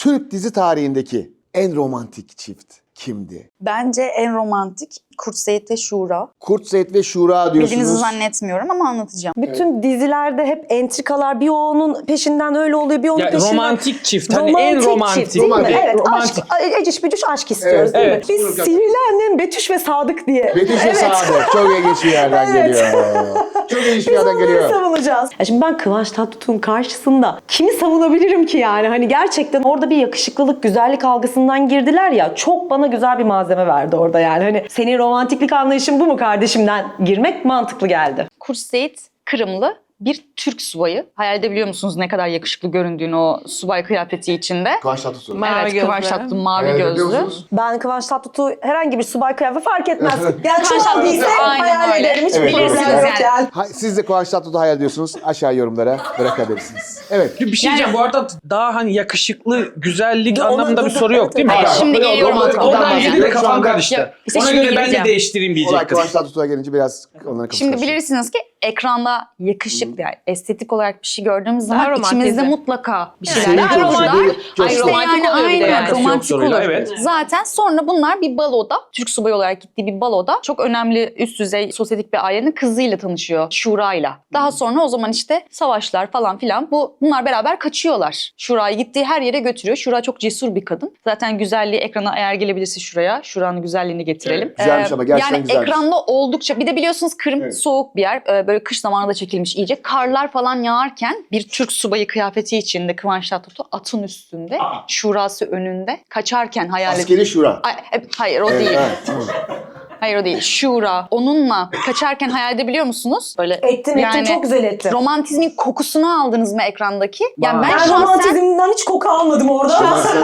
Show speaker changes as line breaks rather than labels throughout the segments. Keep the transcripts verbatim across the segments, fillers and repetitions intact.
Türk dizi tarihindeki en romantik çift kimdi?
Bence en romantik Kurt Seyit ve Şura.
Kurt Seyit ve Şura diyorsunuz.
Bildiğinizi zannetmiyorum ama anlatacağım.
Bütün evet. dizilerde hep entrikalar, bir o onun peşinden öyle oluyor, bir onun
ya,
peşinden.
Romantik çift, hani romantik en romantik.
Çift, değil mi?
Romantik.
Evet,
romantik.
aşk, eciş bücüş aşk istiyoruz
Evet,
değil
evet.
mi? Biz Sihirli Annem Betüş ve Sadık diye.
Betüş ve
evet.
Sadık, çok ilginç bir yerden
Evet.
geliyor. Çok ilginç bir yerden geliyor.
Biz onları savunacağız. Ya şimdi ben Kıvanç Tatlıtuğ'un karşısında kimi savunabilirim ki yani? Hani gerçekten orada bir yakışıklılık, güzellik algısından girdiler ya, çok bana güzel bir malzeme verdi orada yani. Hani senin romantiklik anlayışın bu mu kardeşimden girmek mantıklı geldi.
Kurt Seyit Kırımlı bir Türk subayı. Hayal edebiliyor musunuz ne kadar yakışıklı göründüğünü o subay kıyafeti içinde?
Kıvanç Tatlıtuğ.
Mavi
Evet,
gözlü.
Kıvanç Tatlıtuğ mavi
Hayal edebiliyor
gözlü.
musunuz?
Ben Kıvanç Tatlıtuğ herhangi bir subay kıyafeti fark etmez. Yani
Kıvanç
çok değilse
Tatlıtuğ, aynen
hayal
öyle.
ederim. Hiç
Evet,
bilirsiniz
evet.
yok yani.
Ha, siz de Kıvanç Tatlıtuğ'u hayal ediyorsunuz. Aşağı yorumlara bırakabilirsiniz. Evet.
Bir şey diyeceğim, bu arada daha hani yakışıklı, güzellik
Ona-
anlamında bir soru yok değil mi?
Hayır,
Bak,
şimdi
oradan-
geliyorum.
Oradan
Oradan
girdi de
bahsediyorum. Şu
kafam
anda-
karıştı.
Ya, işte
Ona
şimdi
göre ben de
gireceğim.
değiştireyim
Olay
diyecek kız.
Kıvanç Tatlıtuğ'a gelince biraz onların kafası
Şimdi
karıştı.
bilirsiniz ki ekranda yakışıklı, yani estetik olarak bir şey gördüğümüz zaman
romantizm.
içimizde mutlaka bir şeyler
Senin
Daha
çok
var.
romantik.
Çok
Ay,
çok-
romantik oluyor bir de
aynen,
yani.
romantik
Soruyla,
olur.
evet.
Zaten sonra bunlar bir baloda, Türk subayı olarak gittiği bir baloda çok önemli üst düzey sosyetik bir ailenin kızıyla tanışıyor, Şura'yla. Daha sonra o zaman işte savaşlar falan filan, bu bunlar beraber kaçıyorlar. Şura'yı gittiği her yere götürüyor. Şura çok cesur bir kadın. Zaten güzelliği ekrana eğer gelebilirse şuraya, Şura'nın güzelliğini getirelim.
Evet, güzelmiş ama gerçekten
yani
güzelmiş.
ekranda oldukça, bir de biliyorsunuz Kırım
Evet.
soğuk bir yer. Ee, Böyle kış zamanında çekilmiş iyice. Karlar falan yağarken bir Türk subayı kıyafeti içinde Kıvanç Tatlıtuğ atın üstünde, Şurası önünde kaçarken hayal edin.
Askeri Şura.
Ay, e, hayır o
Evet,
değil.
evet, tamam.
Hayır o değil. Şura. Onunla kaçarken hayal edebiliyor musunuz? Böyle
Ettim ettim çok güzel ettim.
romantizmin kokusunu aldınız mı ekrandaki? Yani ben,
Ben
şahsen
romantizmden hiç koku almadım orada.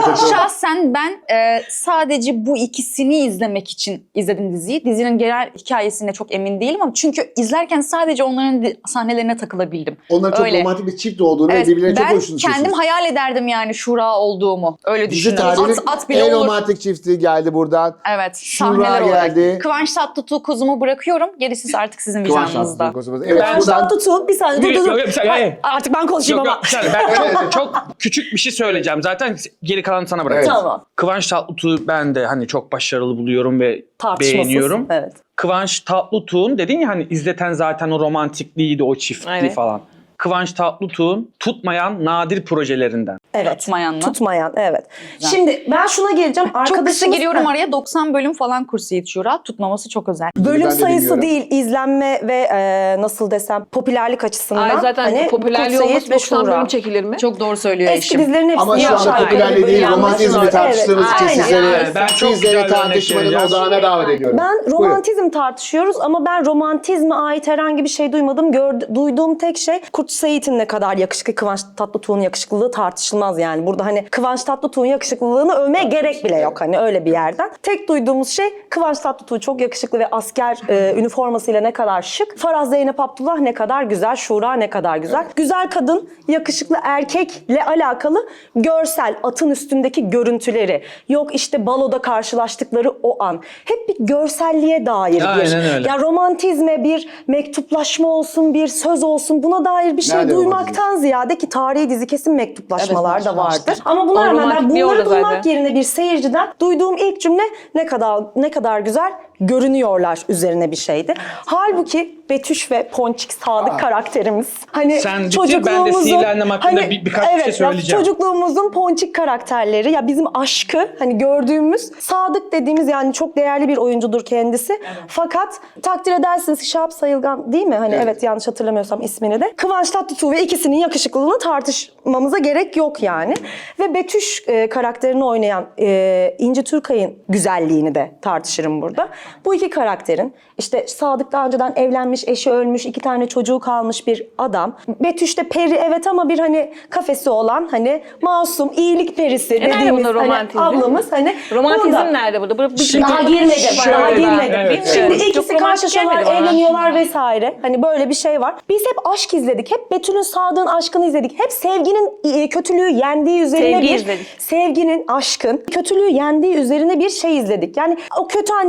Şahsen ben e, sadece bu ikisini izlemek için izledim diziyi. Dizinin genel hikayesine çok emin değilim ama çünkü izlerken sadece onların di- sahnelerine takılabildim.
Onların çok
Öyle.
romantik bir çift olduğunu
Evet,
ve birbirlerine çok
ben
hoşunu
kendim hayal ederdim yani Şura olduğumu. Öyle
Dizi
düşünüyorum.
tarihinin
At, at bile
en
olur.
romantik çifti geldi buradan.
Evet,
Şura
sahneler olarak.
geldi.
Kıvanç Tatlıtuğ kuzumu bırakıyorum. Gerisi artık sizin
Kıvanç
vicdanınızda.
Tatlıtuğ. Evet,
Ben-
Kıvanç
buradan
Tatlıtuğ bir saniye dur
Yok,
dur dur.
yok, bir saniye, hayır.
Artık ben konuşayım
Yok,
ama.
yok, bir saniye. Ben çok, çok küçük bir şey söyleyeceğim. Zaten geri kalanı sana bırakacağım.
Evet.
Tamam.
Kıvanç Tatlıtuğ'u ben de hani çok başarılı buluyorum ve
Tartışmasız.
beğeniyorum.
Evet.
Kıvanç Tatlıtuğ'un dedin ya hani izleten zaten o romantikliğiydi, o çiftliği
Aynen.
falan. Kıvanç Tatlıtuğ'un tutmayan nadir projelerinden.
Evet.
Tutmayan mı?
Tutmayan, evet.
Güzel.
Şimdi ben şuna geleceğim.
Çok kısa
Arkadaşımız-
giriyorum
Ha.
araya. doksan bölüm falan Kurt Seyit Şura. Tutmaması çok özel.
Bölüm
Ben de
sayısı
bilmiyorum.
değil, izlenme ve e, nasıl desem popülerlik açısından.
Ay zaten
hani
popülerliği
Kurt Seyit
olması
ve
doksan
Şura.
bölüm çekilir mi?
Çok doğru söylüyor
Eski
eşim.
dizilerin hepsini
ama şu anda
yapar.
popülerliği değil,
Yanlış
romantizmi
var.
tartıştığımız
Evet,
için
aynen.
sizleri,
Evet, ben çok
sizleri
güzel bir örnek
tartışmanın
vereceğim.
odağına davet ediyorum.
Ben
Buyurun.
romantizm tartışıyoruz ama ben romantizme ait herhangi bir şey duymadım. Gördü, duyduğum tek şey Kurt Seyit'in ne kadar yakışıklı, Kıvanç Tatlıtuğ'un yakışıklılığı tartışılmaz yani. Burada hani Kıvanç Tatlıtuğ'un yakışıklılığını övmeye gerek bile yok hani öyle bir yerden. Tek duyduğumuz şey Kıvanç Tatlıtuğ çok yakışıklı ve asker e, üniformasıyla ne kadar şık. Faraz Zeynep Abdullah ne kadar güzel, Şura ne kadar güzel. Güzel kadın, yakışıklı erkekle alakalı görsel, atın üstündeki görüntüleri, yok işte baloda karşılaştıkları o an. Hep bir görselliğe dair bir.
Aynen öyle.
Ya romantizme bir mektuplaşma olsun, bir söz olsun buna dair bir şey
Nerede
duymaktan ziyade ki tarihi dizi kesin mektuplaşmalar
Evet,
da
vardır.
vardır. Ama buna
O
rağmen ben
romantikliği
bunları
orada
duymak
zaten.
yerine bir seyirciden duyduğum ilk cümle ne kadar ne kadar güzel görünüyorlar üzerine bir şeydi. Halbuki Betüş ve Ponçik Sadık karakterimiz. Hani
Sen bitir, ben de Sihirli Annem hakkında bir- birkaç bir şey
evet,
söyleyeceğim.
Ya, çocukluğumuzun Ponçik karakterleri ya bizim aşkı hani gördüğümüz Sadık dediğimiz yani çok değerli bir oyuncudur kendisi. Fakat takdir edersiniz Şahap Sayılgan değil mi? Hani evet. evet yanlış hatırlamıyorsam ismini de. Kıvanç Tatlıtuğ ve ikisinin yakışıklılığını tartışmamıza gerek yok yani. Ve Betüş e, karakterini oynayan e, İnci Türkay'ın güzelliğini de tartışırım burada. Bu iki karakterin işte Sadık daha önceden evlenmiş, eşi ölmüş, iki tane çocuğu kalmış bir adam. Betüş de peri evet ama bir hani kafesi olan hani masum iyilik perisi
E nerede
dediğimiz
bunda
hani
romantizm? Romantizm
hani
Romantizm
burada-
nerede burada? burada bir,
Şimdi-
daha girmedim.
Şöyle
daha
ben-
girmedim.
evet,
Şimdi
evet.
ikisi
Çok romantik
karşılaşıyorlar,
gelmedi bana.
evleniyorlar vesaire. Hani böyle bir şey var. Biz hep aşk izledik. Hep Betül'ün Sadık'ın aşkını izledik. Hep sevginin e, kötülüğü yendiği üzerine
Sevgi
bir
izledik.
sevginin, aşkın kötülüğü yendiği üzerine bir şey izledik. Yani o kötü annesi, cadı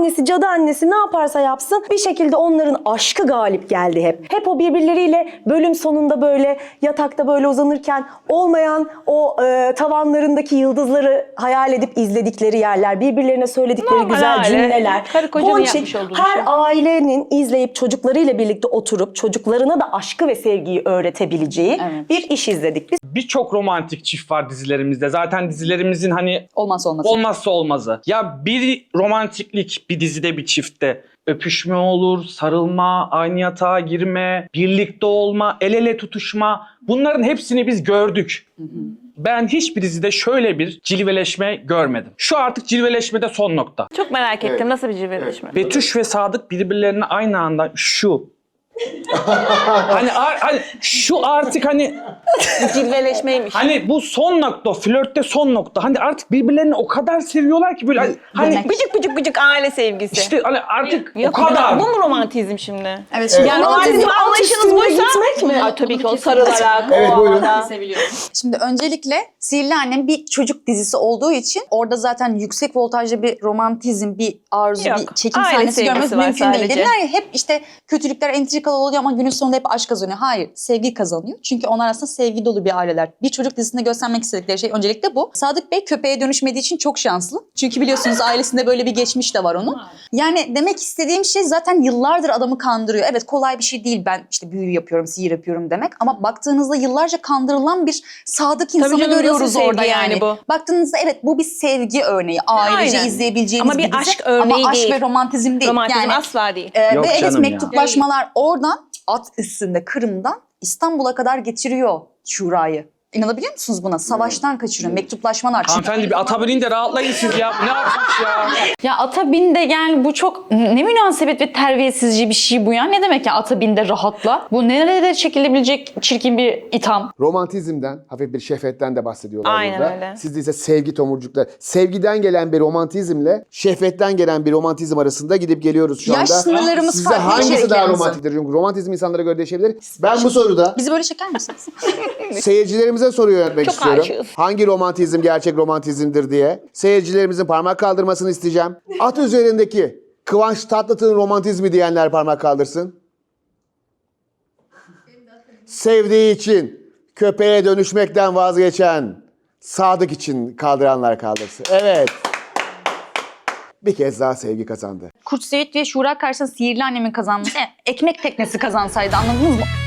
annesi ne yaparsa yapsın bir şekilde onların aşkı galip geldi hep. Hep o birbirleriyle bölüm sonunda böyle yatakta böyle uzanırken olmayan o e, tavanlarındaki yıldızları hayal edip izledikleri yerler, birbirlerine söyledikleri
Normal
güzel
aile.
cümleler.
Karı kocanın
Ponçik
yapmış olduğu
her
şey.
ailenin izleyip çocuklarıyla birlikte oturup çocuklarına da aşkı ve sevgiyi öğretebileceği
Evet.
bir iş izledik biz.
Birçok romantik çift var dizilerimizde. Zaten dizilerimizin hani
Olmazsa olmaz.
olmazsa olmazı. Ya bir romantiklik bir dizide bir çiftte öpüşme olur, sarılma, aynı yatağa girme, birlikte olma, el ele tutuşma. Bunların hepsini biz gördük. Ben hiçbir dizide şöyle bir cilveleşme görmedim. Şu artık cilveleşmede son nokta.
Çok merak ettim. Nasıl bir cilveleşme?
Betüş ve Sadık birbirlerine aynı anda şu. hani, ar- hani şu artık hani
Cilveleşmeymiş.
hani bu son nokta, flörtte son nokta. Hani artık birbirlerini o kadar seviyorlar ki böyle hani, hani
Gıcık gıcık gıcık aile sevgisi.
işte hani artık
Yok,
o kadar.
Bu mu romantizm şimdi?
Evet, şimdi
Yani
yani
o bizim
alt
anlayışınız
üstünde
buysa...
gitmek mi?
Ay, tabii ki o sarılarak,
Evet,
o
buyurun.
havada.
Şimdi öncelikle Sihirli Annem bir çocuk dizisi olduğu için orada zaten yüksek voltajlı bir romantizm, bir arzu,
Yok,
bir çekim
aile
sahnesi
sevgisi
görmemiz
var
mümkün değil.
sadece.
Dediler ya hep işte kötülükler entrikalı oluyor ama günün sonunda hep aşk kazanıyor. Hayır, sevgi kazanıyor. Çünkü onlar aslında sevgi dolu bir aileler. Bir çocuk dizisinde göstermek istedikleri şey öncelikle bu. Sadık Bey köpeğe dönüşmediği için çok şanslı. Çünkü biliyorsunuz ailesinde böyle bir geçmiş de var onun. Yani demek istediğim şey zaten yıllardır adamı kandırıyor. Evet, kolay bir şey değil ben işte büyü yapıyorum, sihir yapıyorum demek. Ama baktığınızda yıllarca kandırılan bir sadık insanı
canım,
görüyoruz
nasıl sevgi
orada yani.
yani bu?
Baktığınızda evet bu bir sevgi örneği. Ailece
Aynen.
izleyebileceğimiz
Ama bir
dizi.
aşk örneği
Ama aşk
değil.
ve romantizm değil.
Romantizm
yani,
asla değil.
e,
Yok
ve evet
canım ya.
mektuplaşmalar oradan at üstünde Kırım'dan İstanbul'a kadar getiriyor Şura'yı. İnanabiliyor musunuz buna? Savaştan kaçırıyor. Mektuplaşmalar. Çünkü
Hanımefendi bir ata binin de rahatlayın siz ya. Ne yapmış ya?
ya ata bin de yani bu çok ne münasebet ve terbiyesizce bir şey bu ya. Ne demek ya ata bin de rahatla? Bu nerede çekilebilecek çirkin bir itham?
Romantizmden, hafif bir şehvetten de bahsediyorlar
Aynen
burada.
öyle.
Sizde ise sevgi tomurcukları. Sevgiden gelen bir romantizmle şehvetten gelen bir romantizm arasında gidip geliyoruz şu anda.
Yaş sınırlarımız
Sizce
farklı
hangisi
içerik
daha
yalnız.
romantiktir? Çünkü romantizm insanlara göre değişebilir. Ben bu soruda
Bizi böyle çeker misiniz?
seyircilerimize soru yöneltmek
Çok
istiyorum.
aşığız.
Hangi romantizm gerçek romantizmdir diye. Seyircilerimizin parmak kaldırmasını isteyeceğim. At üzerindeki Kıvanç Tatlıtuğ'un romantizmi diyenler parmak kaldırsın. Sevdiği için köpeğe dönüşmekten vazgeçen Sadık için kaldıranlar kaldırsın. Evet. Bir kez daha sevgi kazandı.
Kurt Seyit ve Şura karşısında Sihirli Annem'in kazanması. Yani ekmek teknesi kazansaydı anladınız mı?